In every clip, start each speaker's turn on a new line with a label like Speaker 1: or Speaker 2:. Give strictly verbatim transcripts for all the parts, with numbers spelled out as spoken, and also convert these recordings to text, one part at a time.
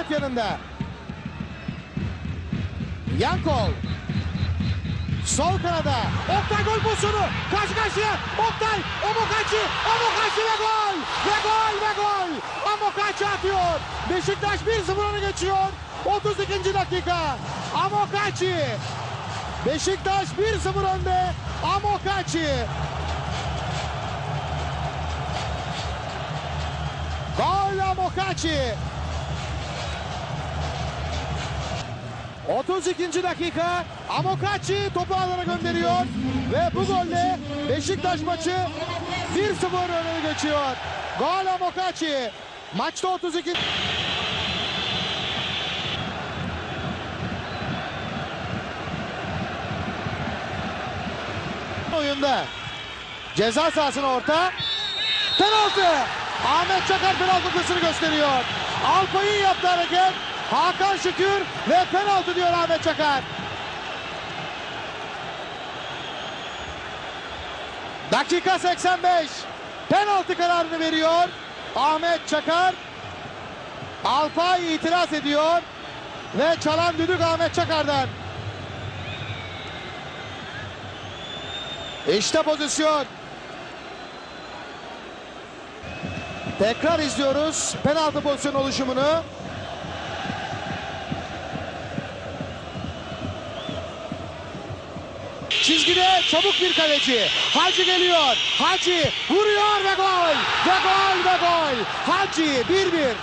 Speaker 1: dört yanında. Yankol. Sol kanada. Oktay gol pozisyonu. Karşı karşıya. Oktay. Amokachi. Amokachi ve gol. Ve gol ve gol. Amokachi atıyor. Beşiktaş bir sıfır öne geçiyor. otuz ikinci dakika. Amokachi. Beşiktaş bir sıfır önde. Amokachi. Gol Amokachi. otuz ikinci dakika. Amokachi topu alana gönderiyor. Ve bu golle Beşiktaş maçı bir sıfır öne geçiyor. Gol Amokachi. Maçta otuz iki. Oyunda. Ceza sahasına orta. Penaltı. Ahmet Çakar penaltı noktasını gösteriyor. Alpay'ın yaptığı hareket. Hakan Şükür ve penaltı diyor Ahmet Çakar. Dakika seksen beş. Penaltı kararını veriyor Ahmet Çakar. Alpay itiraz ediyor ve çalan düdük Ahmet Çakar'dan. İşte pozisyon. Tekrar izliyoruz penaltı pozisyon oluşumunu. Çizgide çabuk bir kaleci. Hacı geliyor. Hacı vuruyor ve gol. Ve gol ve gol. Hacı bir bir.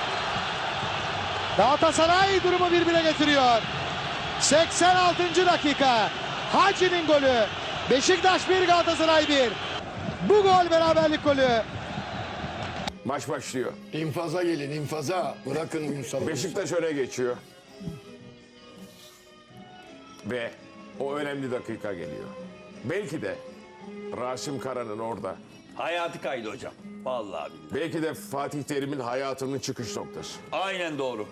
Speaker 1: Galatasaray durumu bir bire getiriyor. seksen altıncı dakika. Hacı'nin golü. Beşiktaş bir, Galatasaray bir. Bu gol beraberlik golü.
Speaker 2: Maç başlıyor.
Speaker 3: İnfaza gelin, infaza. Bırakın Ünsal'ı.
Speaker 2: Beşiktaş öne geçiyor. Ve o önemli dakika geliyor. Belki de Rasim Kara'nın orada.
Speaker 4: Hayatı kaydı hocam. Vallahi billahi.
Speaker 2: Belki de Fatih Terim'in hayatının çıkış noktası.
Speaker 4: Aynen doğru.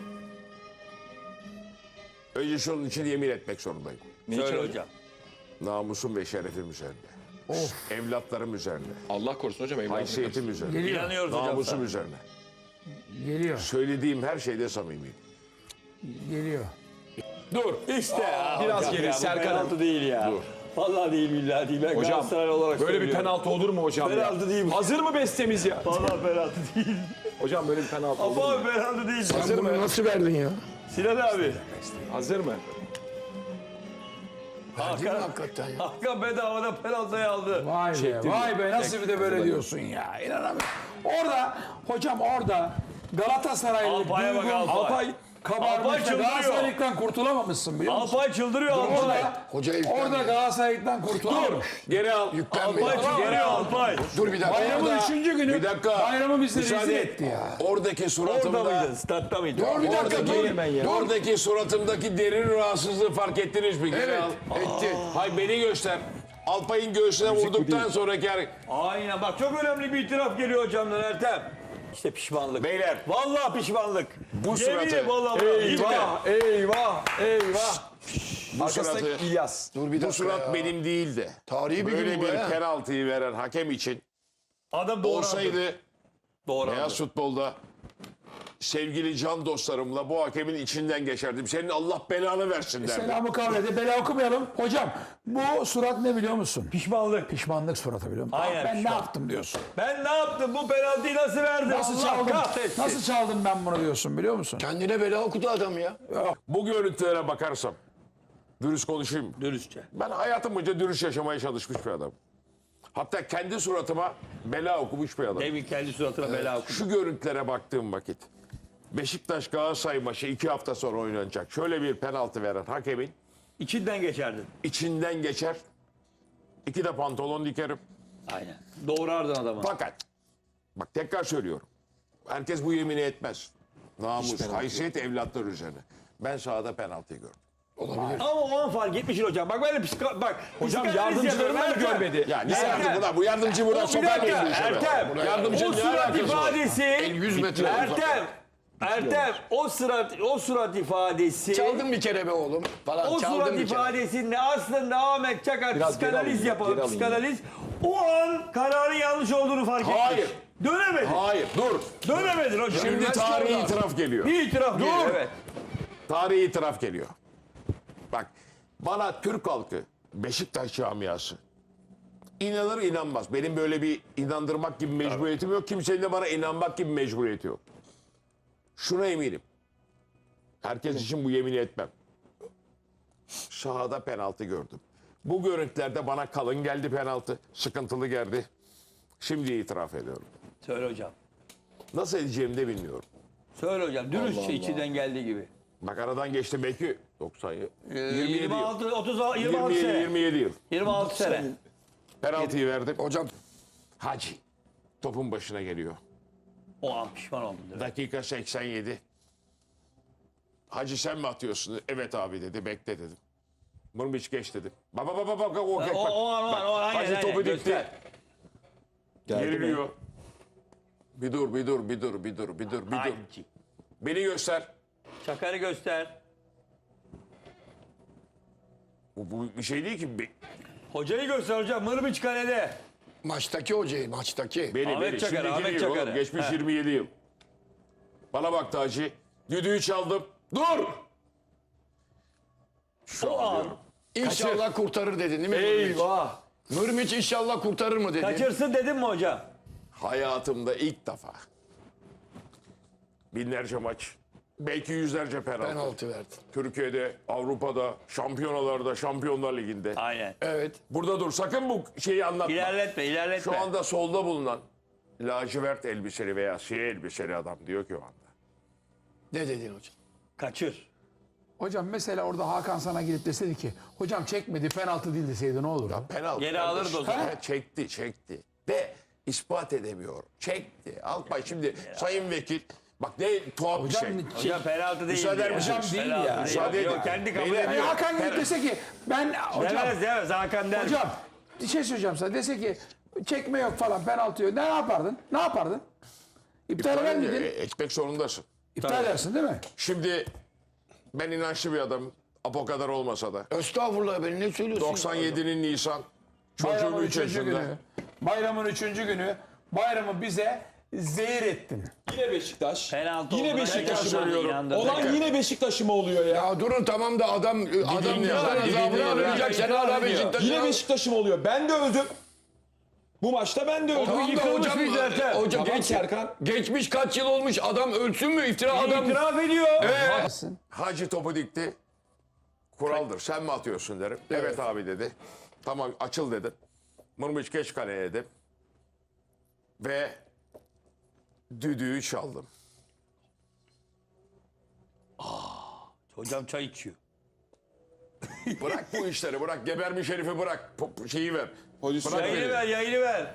Speaker 2: Önce şunun için yemin etmek zorundayım.
Speaker 4: Söyle hocam.
Speaker 2: Namusum ve şerefim üzerine. Of. Evlatlarım üzerine.
Speaker 5: Allah korusun hocam. evladım.
Speaker 2: Haysiyetim üzerine.
Speaker 4: İnanıyoruz hocam.
Speaker 2: Namusum
Speaker 4: sana.
Speaker 2: üzerine.
Speaker 6: Geliyor,
Speaker 2: Söylediğim her şeyde samimiyim.
Speaker 6: geliyor.
Speaker 5: Dur.
Speaker 4: İşte ya.
Speaker 5: Biraz
Speaker 4: hocam
Speaker 5: geri,
Speaker 4: ya, bu
Speaker 5: Serkan.
Speaker 4: penaltı değil ya.
Speaker 2: Dur.
Speaker 4: Vallahi değil billahi değil. Ben
Speaker 5: Hocam
Speaker 4: Galatasaray olarak
Speaker 5: böyle bir
Speaker 4: söylüyorum.
Speaker 5: penaltı olur mu hocam
Speaker 4: Penaltı
Speaker 5: ya?
Speaker 4: değil bu.
Speaker 5: Hazır mı bestemiz ya?
Speaker 4: Vallahi penaltı değil.
Speaker 5: Hocam böyle bir penaltı olur
Speaker 4: Ama
Speaker 5: mu?
Speaker 4: penaltı değil.
Speaker 5: Hazır
Speaker 3: Bunu
Speaker 5: mı?
Speaker 3: nasıl verdin ya?
Speaker 4: Sinan abi.
Speaker 5: Hazır mı?
Speaker 3: Verdin mi
Speaker 4: Hakan,
Speaker 3: hakikaten ya?
Speaker 4: Hakan bedavadan penaltıyı aldı.
Speaker 6: Vay be, vay be nasıl bir de böyle diyorsun ya. İnanamıyorum. Orada, hocam orada Galatasaraylı
Speaker 4: Alpay'a bak,
Speaker 6: duygun
Speaker 4: Alpay.
Speaker 6: Alpay
Speaker 4: Alpay
Speaker 6: kabarmış da
Speaker 4: çıldırıyor.
Speaker 6: Galatasaraylıktan kurtulamamışsın biliyor musun?
Speaker 4: Alpay çıldırıyor Alpay.
Speaker 6: Orada,
Speaker 3: Hoca
Speaker 6: orada
Speaker 3: yüklenme.
Speaker 6: Galatasaraylıktan kurtulamamış.
Speaker 5: Geri al.
Speaker 3: Yüklenme.
Speaker 4: Alpay çıldırıyor Alpay.
Speaker 3: Dur bir dakika.
Speaker 6: Bayramın
Speaker 3: Orada-
Speaker 6: üçüncü günü
Speaker 2: Bir dakika.
Speaker 6: bayramı bizi
Speaker 2: Müsaade
Speaker 6: rezil
Speaker 2: et.
Speaker 6: etti ya.
Speaker 2: Oradaki
Speaker 4: Orada
Speaker 2: suratımda,
Speaker 4: mıydı? Statta mıydı?
Speaker 3: Dur bir dakika
Speaker 2: oradaki,
Speaker 3: dur.
Speaker 2: oradaki suratımdaki derin rahatsızlığı fark ettiniz mi? Geri
Speaker 3: Evet,
Speaker 2: al.
Speaker 3: etti.
Speaker 2: Hay beni göster. Alpay'ın göğsüne vurduktan sonraki hareket.
Speaker 4: Aynen bak çok önemli bir itiraf geliyor hocamdan Ertem. İşte pişmanlık.
Speaker 2: Beyler.
Speaker 4: Vallahi pişmanlık.
Speaker 2: Bu suratı.
Speaker 4: Yemin vallahi.
Speaker 5: Eyvah, eyvah, eyvah.
Speaker 2: Bu
Speaker 5: Arkasındaki
Speaker 2: suratı,
Speaker 5: İlyas.
Speaker 3: Dur bir
Speaker 2: bu
Speaker 3: dakika
Speaker 2: surat
Speaker 3: ya.
Speaker 2: benim değil de.
Speaker 3: Tarihi bir
Speaker 2: Böyle
Speaker 3: gün bu
Speaker 2: bir
Speaker 3: ya.
Speaker 2: penaltıyı veren hakem için
Speaker 4: Adam doğru
Speaker 2: olsaydı
Speaker 4: anladı. Doğru
Speaker 2: beyaz
Speaker 4: anladı.
Speaker 2: futbolda sevgili can dostlarımla bu hakemin içinden geçerdim. Senin Allah belanı versin derdim.
Speaker 6: Selamı kavlede bela okumayalım. Hocam bu surat ne biliyor musun?
Speaker 4: Pişmanlık.
Speaker 6: Pişmanlık suratı biliyor musun?
Speaker 4: Aynen,
Speaker 6: ben ne
Speaker 4: pişman.
Speaker 6: yaptım diyorsun?
Speaker 4: Ben ne yaptım? Bu penaltıyı nasıl verdim?
Speaker 6: Nasıl
Speaker 4: Allah
Speaker 6: çaldım?
Speaker 4: kahretsin.
Speaker 6: Nasıl çaldım ben bunu diyorsun biliyor musun?
Speaker 3: Kendine bela okudu adam ya.
Speaker 2: Bu görüntülere bakarsam, dürüst konuşayım mı?
Speaker 4: Dürüstçe.
Speaker 2: Ben hayatım boyunca dürüst yaşamaya çalışmış bir adam. Hatta kendi suratıma bela okumuş bir adam.
Speaker 4: Demin kendi suratına bela okudu.
Speaker 2: Şu görüntülere baktığım vakit Beşiktaş Galatasaray maçı iki hafta sonra oynanacak. Şöyle bir penaltı veren hakemin
Speaker 4: İçinden geçerdin.
Speaker 2: içinden geçer. İki de pantolon dikerim.
Speaker 4: Aynen. Doğrardın adamı.
Speaker 2: Fakat bak tekrar söylüyorum. Herkes bu yemini etmez. Namus, haysiyet evlatlar üzerine. Ben sahada penaltıyı gördüm.
Speaker 4: Ama o an fark etmişsin hocam. Bak böyle psiko... Bak.
Speaker 5: Hocam
Speaker 4: psikanaliz
Speaker 5: yardımcılarını mı
Speaker 4: yapıyorum.
Speaker 5: görmedi?
Speaker 2: Ya ne
Speaker 4: Ertem.
Speaker 2: yardımcı buna? Bu yardımcı buradan
Speaker 4: Bir
Speaker 2: sokar mıyım
Speaker 4: dakika
Speaker 2: bu işe?
Speaker 4: Ertem.
Speaker 2: Yardımcı
Speaker 4: O
Speaker 2: ne
Speaker 4: surat
Speaker 2: alakası var?
Speaker 4: ifadesi.
Speaker 3: yüz metre
Speaker 4: Ertem. Ertem. O surat, o surat ifadesi.
Speaker 3: Çaldın bir kere be oğlum. Falan
Speaker 4: O
Speaker 3: çaldın
Speaker 4: surat
Speaker 3: bir kere.
Speaker 4: ifadesinde aslında Ahmet Çakar
Speaker 5: Biraz geri
Speaker 4: psikanaliz
Speaker 5: alayım,
Speaker 4: yapalım.
Speaker 5: geri alayım.
Speaker 4: Psikanaliz. O an kararın yanlış olduğunu fark etmiş.
Speaker 2: Hayır.
Speaker 4: Dönemedi.
Speaker 2: Hayır dur.
Speaker 4: Dönemedin hocam.
Speaker 2: Şimdi tarihi itiraf geliyor.
Speaker 4: Bir itiraf geliyor. Evet.
Speaker 2: Tarihi itiraf geliyor. Bak bana Türk halkı, Beşiktaş camiası inanır inanmaz. Benim böyle bir inandırmak gibi mecburiyetim yok. Kimsenin de bana inanmak gibi mecburiyeti yok. Şuna eminim. Herkes için bu yemini etmem. Sahada penaltı gördüm. Bu görüntülerde bana kalın geldi penaltı. Sıkıntılı geldi. Şimdi itiraf ediyorum.
Speaker 4: Söyle hocam.
Speaker 2: Nasıl edeceğimi de bilmiyorum.
Speaker 4: Söyle hocam. Dürüstçe içinden geldiği gibi.
Speaker 2: Bak aradan geçti belki doksan yıl.
Speaker 4: Ee,
Speaker 2: yirmi yedi
Speaker 4: yirmi
Speaker 2: yıl.
Speaker 4: altı, otuz, yirmi altı
Speaker 2: yirmi yedi,
Speaker 4: sene.
Speaker 2: yirmi yedi yıl.
Speaker 4: yirmi altı sene.
Speaker 2: Penaltıyı verdim.
Speaker 3: Hocam
Speaker 2: Hacı topun başına geliyor.
Speaker 4: O an pişman oldum. direkt.
Speaker 2: Dakika seksen yedi. Hacı sen mi atıyorsun? Evet abi dedi. Bekle dedim. Mırmıç geç dedim. Baba baba baba o,
Speaker 4: O,
Speaker 2: bak,
Speaker 4: o an, o an, o an. Aynen,
Speaker 2: Hacı
Speaker 4: aynen.
Speaker 2: topu dikti.
Speaker 4: Göster.
Speaker 2: Geriliyor. Bir dur, bir dur, bir dur, bir dur, bir dur, bir dur.
Speaker 4: Hacı.
Speaker 2: Beni göster.
Speaker 4: Çakarı göster.
Speaker 2: Bu, bu bir şey değil ki. Be-
Speaker 4: Hocayı göster hocam. Mırmıç kalede.
Speaker 3: maçtaki hocayı maçtaki.
Speaker 2: Beni,
Speaker 4: Ahmet
Speaker 2: beni.
Speaker 4: Çakar,
Speaker 2: Şimdiki
Speaker 4: Ahmet
Speaker 2: değil
Speaker 4: Çakar.
Speaker 2: oğlum. Geçmiş
Speaker 4: He.
Speaker 2: yirmi yedi yıl. Bana baktı Hacı. Düdüğü çaldım. Dur! Şu
Speaker 4: O
Speaker 2: an
Speaker 4: an.
Speaker 2: diyorum.
Speaker 3: İnşallah kurtarır dedin değil mi? Eyvah.
Speaker 5: Eyvah.
Speaker 3: Nurmiç inşallah kurtarır mı dedin?
Speaker 4: Kaçırsın dedim mi hocam?
Speaker 2: Hayatımda ilk defa binlerce maç, belki yüzlerce penaltı.
Speaker 3: Penaltı verdin.
Speaker 2: Türkiye'de, Avrupa'da, şampiyonalarda, Şampiyonlar Ligi'nde.
Speaker 4: Aynen.
Speaker 3: Evet.
Speaker 2: Burada dur, sakın bu şeyi anlatma.
Speaker 4: İlerletme, ilerletme.
Speaker 2: Şu anda solda bulunan lacivert elbiseli veya siyah elbiseli adam diyor ki o anda.
Speaker 3: Ne dedin hocam?
Speaker 4: Kaçır.
Speaker 6: Hocam mesela orada Hakan sana gelip deseydi ki hocam çekmedi penaltı değil deseydi ne olur?
Speaker 2: Penaltı.
Speaker 4: Geri
Speaker 2: kardeş.
Speaker 4: alırdı o zaman.
Speaker 2: He, çekti, çekti. De ispat edemiyor. Çekti. Alpay şimdi sayın vekil, bak ne tuhaf bir şey.
Speaker 4: Hocam penaltı değil.
Speaker 2: Müsaade eder misiniz?
Speaker 6: Hocam değil
Speaker 4: Penaltı
Speaker 6: ya.
Speaker 4: değil.
Speaker 2: Müsaade
Speaker 4: Yok,
Speaker 2: edin.
Speaker 4: yok, kendi kabul
Speaker 2: Beyler,
Speaker 6: Yani
Speaker 4: ediyor.
Speaker 6: Hakan gelip dese ki ben hocam
Speaker 4: Demez demez Hakan der.
Speaker 6: hocam bir şey söyleyeceğim sana dese ki çekme yok falan penaltı yok ne yapardın? Ne yapardın? İptal eder
Speaker 2: E,
Speaker 6: miydin?
Speaker 2: Etmek zorundasın.
Speaker 6: İptal edersin değil mi?
Speaker 2: Şimdi ben inançlı bir adamım. Apo kadar olmasa da.
Speaker 3: Estağfurullah beni ne söylüyorsun?
Speaker 2: doksan yedinin Nisan. Çocuğum
Speaker 6: Bayramın
Speaker 2: üç
Speaker 6: üçüncü
Speaker 2: yaşında.
Speaker 6: günü. Bayramın üçüncü günü bayramı bize zehir ettin.
Speaker 5: Yine Beşiktaş.
Speaker 4: Penaltı
Speaker 5: Yine
Speaker 4: olduğuna
Speaker 5: Beşiktaş
Speaker 4: inandırdı,
Speaker 5: oluyor.
Speaker 4: inandırdı.
Speaker 5: Olan yine Beşiktaş'ı mı oluyor ya?
Speaker 3: Ya durun tamam da adam adam
Speaker 2: dinle ya,
Speaker 3: vicdan
Speaker 2: bir dinle
Speaker 3: azabına
Speaker 2: ya.
Speaker 3: alacak. Sen hala Beşiktaş'a.
Speaker 5: Yine Beşiktaş'ı mı oluyor? Ben de öldüm. Bu maçta ben de öldüm.
Speaker 3: Tamam da
Speaker 4: Yıkılmış
Speaker 3: hocam,
Speaker 4: bir zaten.
Speaker 3: hocam
Speaker 5: Tamam
Speaker 3: geç,
Speaker 5: Serkan.
Speaker 3: geçmiş kaç yıl olmuş adam ölsün mü iftira adam.
Speaker 4: İtiraf ediyor.
Speaker 2: Hacı topu dikti. Kuraldır. Sen mi atıyorsun derim. Evet, abi dedi. Tamam açıl dedim. Mırmıç geç kaleye dedim. Ve düdüğü çaldım.
Speaker 4: Hocam çay içiyor.
Speaker 2: Bırak bu işleri bırak. Gebermiş herifi bırak. Po- şeyi ver.
Speaker 5: Pozisyon.
Speaker 2: Bırak
Speaker 4: Yayını
Speaker 2: beni.
Speaker 4: ver, yayını ver.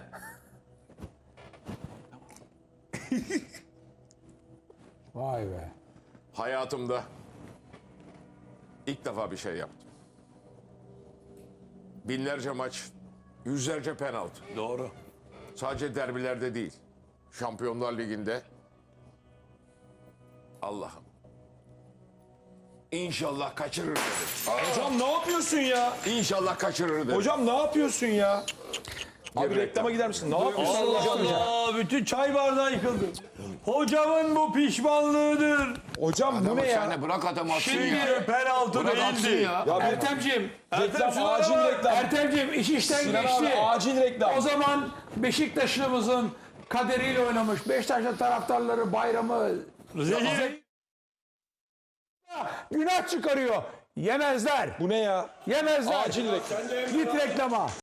Speaker 6: Vay be.
Speaker 2: Hayatımda ilk defa bir şey yaptım. Binlerce maç, yüzlerce penaltı.
Speaker 4: Doğru.
Speaker 2: Sadece derbilerde değil. Şampiyonlar Ligi'nde. Allah'ım. İnşallah kaçırır dedim.
Speaker 5: Hocam ne yapıyorsun ya?
Speaker 2: İnşallah kaçırır dedim.
Speaker 5: Hocam ne yapıyorsun ya? Abi
Speaker 2: Geri
Speaker 5: reklama gider misin? Ne yapıyorsun?
Speaker 4: Allah Allah, bütün çay bardağı yıkıldı. Hocamın bu pişmanlığıdır.
Speaker 5: Hocam bu
Speaker 3: Ama
Speaker 5: ne ya?
Speaker 3: sen de bırak adam atsın ya.
Speaker 4: Şimdi penaltı
Speaker 3: Bırak atsın
Speaker 4: değildi.
Speaker 3: ya.
Speaker 5: Ya bir
Speaker 6: Ertemciğim,
Speaker 5: reklam,
Speaker 4: şuna
Speaker 5: acil
Speaker 4: bak.
Speaker 5: reklam.
Speaker 6: Ertemciğim iş işten
Speaker 5: Sinan
Speaker 6: geçti.
Speaker 5: abi acil reklam.
Speaker 6: O zaman Beşiktaşlımızın kaderiyle oynamış. Beşiktaşlı taraftarları bayramı
Speaker 4: Zehir.
Speaker 6: günah çıkarıyor. Yemezler.
Speaker 5: Bu ne ya?
Speaker 6: Yemezler.
Speaker 5: Acil reklam.
Speaker 6: Git reklama.